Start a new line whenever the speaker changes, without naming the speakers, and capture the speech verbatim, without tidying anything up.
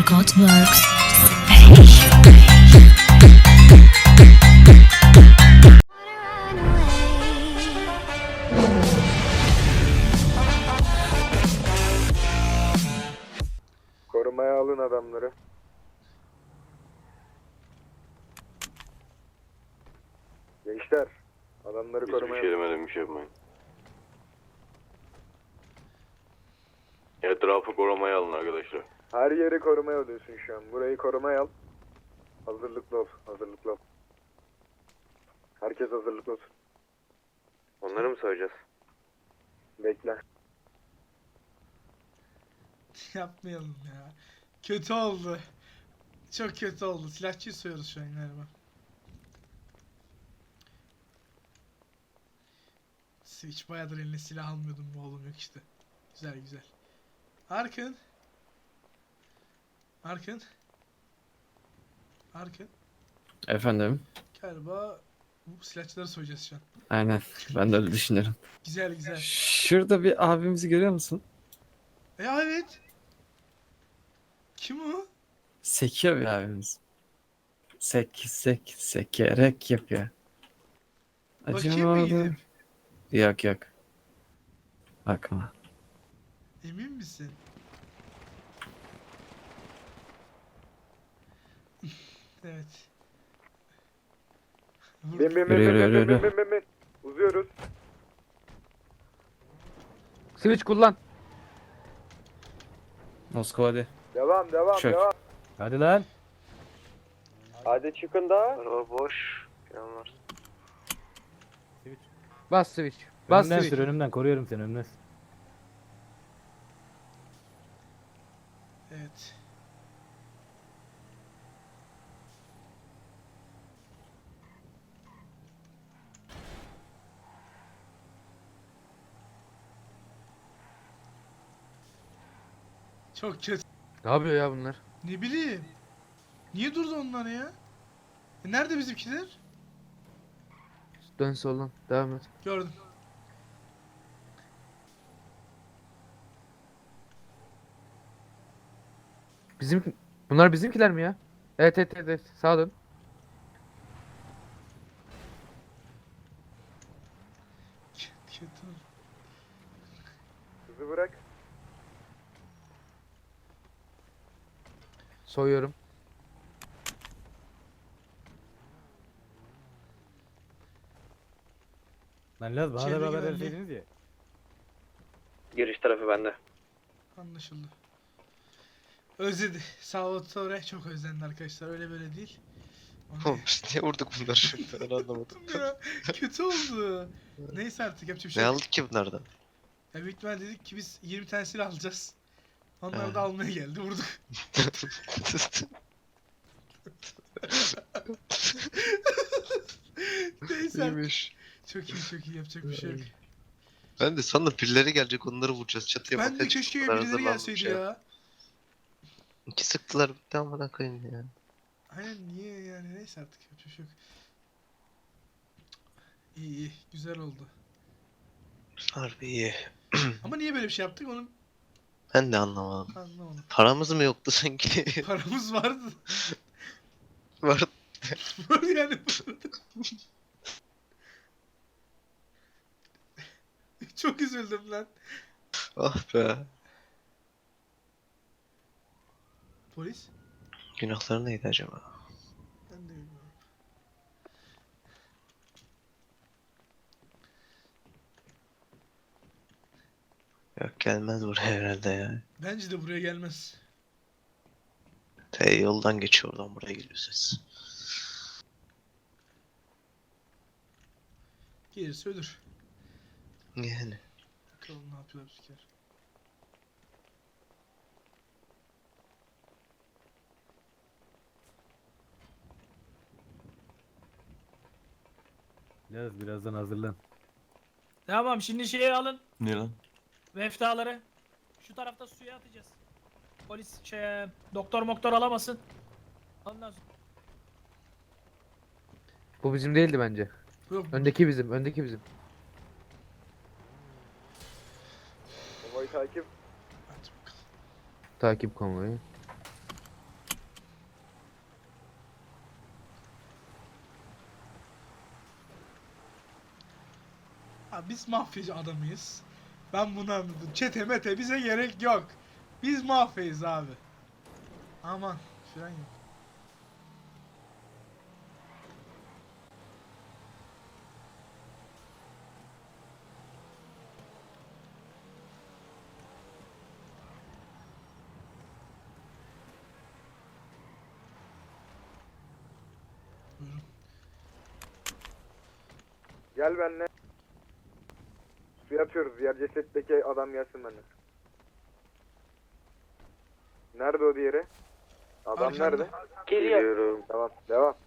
Workout Works.
Korumaya alın adamları. Gençler, adamları
Hiçbir
korumaya
şey
alın.
demedim, bir şey yapmayın. Etrafı korumaya alın arkadaşlar.
Her yeri korumaya alıyorsun şu an. Burayı korumaya al. Hazırlıklı ol, hazırlıklı ol. Herkes hazırlıklı olsun. Onları mı söyleyeceğiz? Bekle.
Yapmayalım ya. Kötü oldu. Çok kötü oldu. Silahçıyı soyuyoruz şu an galiba. Hiç bayağıdır eline silah almıyordum bu oğlum yok işte. Güzel güzel. Arkın. Arkın. Arkın.
Efendim?
Galiba bu silahçıları soyacağız şu an.
Aynen. Ben de öyle düşünüyorum.
Güzel güzel.
Şurada bir abimizi görüyor musun?
E evet. Kim o?
Sekiyor bir abimiz. Sek sek sekerek yapıyor.
Bakayım mı
Acımadı.
gidip?
Yok yok. Bakma.
Emin misin? Evet. Vur.
Bin bin bin
Yürü,
bin
yürü,
bin
yürü,
bin
yürü.
bin bin bin. Uzuyoruz.
Switch kullan.
Moskova hadi.
Devam devam
Çök.
devam.
Hadi lan.
Hadi çıkın da. Araba boş. Yanlar.
Bas switch. Bas
Önümden
switch.
sür, önümden koruyorum seni, önümden.
Evet. Çok kötü.
Ne yapıyor ya bunlar?
Ne bileyim. Niye durdu onlar ya? E nerede bizimkiler?
Dön soldan. Devam et.
Gördüm.
Bizim bunlar bizimkiler mi ya? Evet evet evet. evet. Sağa dön.
Kötü.
Kızı bırak.
Soyuyorum.
Lan Laz bana da
Çevre
bir haber
güvenliği.
verseydiniz ya.
Giriş tarafı bende.
Anlaşıldı. Özledi. Salvatore çok özlendi arkadaşlar. Öyle böyle değil. Onu-
Oğlum biz niye vurduk bunları şimdi ben anlamadım.
ya, kötü oldu. Neyse artık yapacak bir şey
Ne
yok.
aldık ki bunlardan?
Ya büyük ihtimal dedik ki biz yirmi tane silah alacağız. Onlar
He.
da almaya geldi. Vurduk. Neyse artık.
İyiymiş.
Çok iyi çok iyi yapacak bir şey yok.
Ben de sandım birileri gelecek onları vuracağız çatıya
Ben de
bakacak.
keşke
Bunlar
birileri
hazırlanmış
gelseydi
ya.
ya.
İki sıktılar bitti amına koyayım ya.
Aynen niye yani neyse artık yapacak bir şey yok. İyi iyi güzel oldu.
Harbi iyi.
Ama niye böyle bir şey yaptık onu
Ben de anlamadım.
anlamadım.
Paramız mı yoktu sanki?
Paramız vardı.
Var.
Var yani. Çok üzüldüm lan.
Ah be.
Polis?
Günahları neydi acaba?
Ben de bilmiyorum.
Yok gelmez buraya herhalde ya.
Bence de buraya gelmez.
T yoldan geçiyor oradan buraya geliyor ses.
Gelirse ölür.
Yani.
Bakalım ne yapıyorlar bizimkiler.
Laz birazdan hazırlan.
Tamam şimdi şeyi alın.
Ne lan?
Meftaları. Şu tarafta suya atacağız. Polis şey doktor moktor alamasın. Ondan sonra.
Bu bizim değildi bence.
Yok.
Öndeki bizim. Öndeki bizim.
Konvoy takip.
Hadi bakalım.
Takip konvoyu.
biz mafyacı adamıyız. Ben bunu anladım. Çete mete bize gerek yok. Biz mafyayız abi. Aman fren yok. Buyurun.
Gel benimle. Suya atıyoruz. Diğer cesetteki adam gelsin benimle. Nerede o diğeri? Adam
Arkanda.
nerede? Geliyorum. Tamam. Devam.